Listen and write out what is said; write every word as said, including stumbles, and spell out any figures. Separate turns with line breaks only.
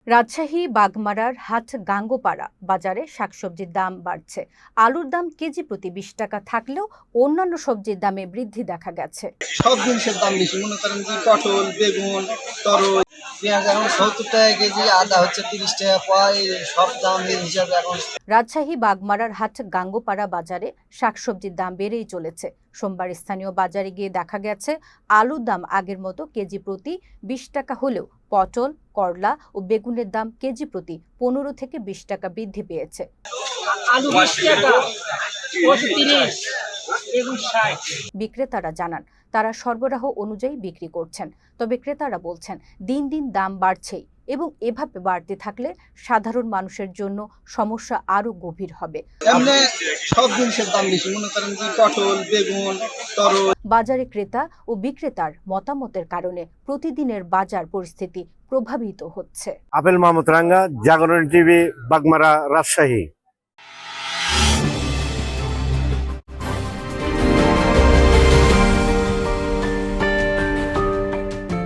রাজশাহী বাগমারার হাট গাঙ্গোপাড়া বাজারে শাকসবজির দাম বাড়ছে। আলুর দাম কেজি প্রতি বিশ টাকা থাকলেও অন্যান্য সবজির দামে বৃদ্ধি দেখা গেছে।
সব জিনিসের দাম বেশি, মনে করেন যে পটল, বেগুন, তরল, পেঁয়াজ এখন সত্তর টাকা কেজি, আদা হচ্ছে তিরিশ টাকা পাই, সব দাম এই হিসাবে এখন।
রাজশাহী বাগমারার হাট গাঙ্গোপাড়া বাজারে শাকসবজির দাম বেড়েই চলেছে। সোমবার স্থানীয় বাজারে গিয়ে দেখা গেছে আলুর দাম আগের মতো কেজি প্রতি বিশ টাকা হলেও পটল, করলা ও বেগুনের দাম কেজি প্রতি পনেরো থেকে বিশ টাকা বৃদ্ধি পেয়েছে। বিক্রেতারা জানান তারা সরবরাহ অনুযায়ী বিক্রি করছেন, তবে ক্রেতারা বলছেন দিন দিন দাম বাড়ছেই এবং এভাবে বাড়তে থাকলে সাধারণ মানুষের জন্য সমস্যা আরো গভীর হবে।
এমনি সব জিনিসের দাম বেশি, মনে করেন যে পটল, বেগুন, তরল।
বাজারে ক্রেতা ও বিক্রেতার মতামতের কারণে প্রতিদিনের বাজার পরিস্থিতি প্রভাবিত হচ্ছে।
আপেল মাহমুদ রাঙ্গা, জাগরণ টিভি, বাগমারা, রাজশাহী।